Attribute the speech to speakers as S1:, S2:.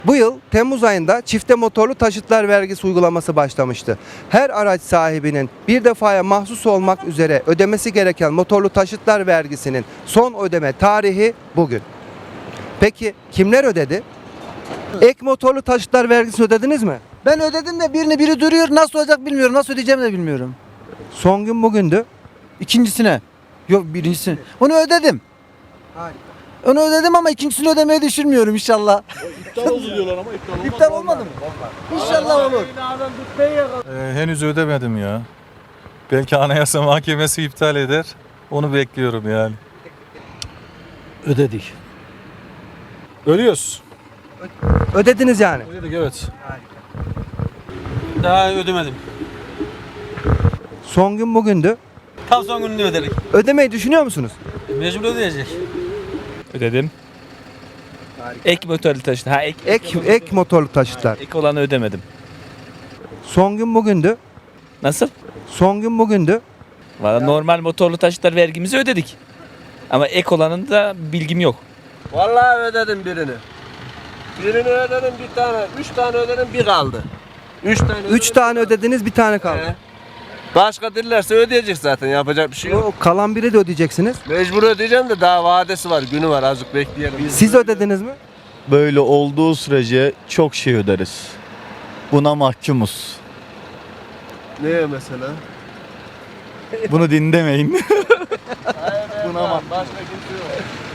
S1: Bu yıl Temmuz ayında çifte motorlu taşıtlar vergisi uygulaması başlamıştı. Her araç sahibinin bir defaya mahsus olmak üzere ödemesi gereken motorlu taşıtlar vergisinin son ödeme tarihi bugün. Peki kimler ödedi? Ek motorlu taşıtlar vergisini ödediniz mi?
S2: Ben ödedim de biri duruyor. Nasıl olacak bilmiyorum. Nasıl ödeyeceğimi de bilmiyorum.
S1: Son gün bugündü.
S2: İkincisine. Yok birincisine. Onu ödedim. Onu ödedim ama ikincisini ödemeyi düşünmüyorum inşallah.
S3: İptal oldu diyorlar ama iptal olmaz.
S2: İptal olmadı mı? İnşallah olur.
S4: Henüz ödemedim ya. Belki Anayasa Mahkemesi iptal eder. Onu bekliyorum yani.
S3: Ödedik. Ödüyoruz.
S1: Ödediniz yani.
S3: Ödedik evet. Daha ödemedim.
S1: Son gün bugündü.
S5: Tam son gününü ödedik.
S1: Ödemeyi düşünüyor musunuz?
S5: Mecbur ödeyecek. Ödedim. Ek motorlu taşıt. Ha
S1: Ek motorlu taşıtlar.
S5: ek olanı ödemedim.
S1: Son gün bugündü.
S5: Nasıl?
S1: Son gün bugündü.
S5: Valla normal motorlu taşıtlar vergimizi ödedik. Ama ek olanın da bilgim yok.
S6: Vallahi ödedim birini. Birini ödedim bir tane. 3 tane ödedim bir kaldı. 3 tane
S1: 3 tane ödediniz, bir tane kaldı.
S6: He. Başka dillerse ödeyecek zaten, yapacak bir şey yok.
S1: O kalan biri de ödeyeceksiniz.
S6: Mecbur ödeyeceğim de daha vadesi var, günü var, azıcık bekleyelim.
S1: Siz ödediniz mi?
S7: Böyle olduğu sürece çok şey öderiz. Buna mahkumuz.
S6: Neye mesela?
S7: Bunu dinlemeyin.
S6: Hayır, başka kimse yok.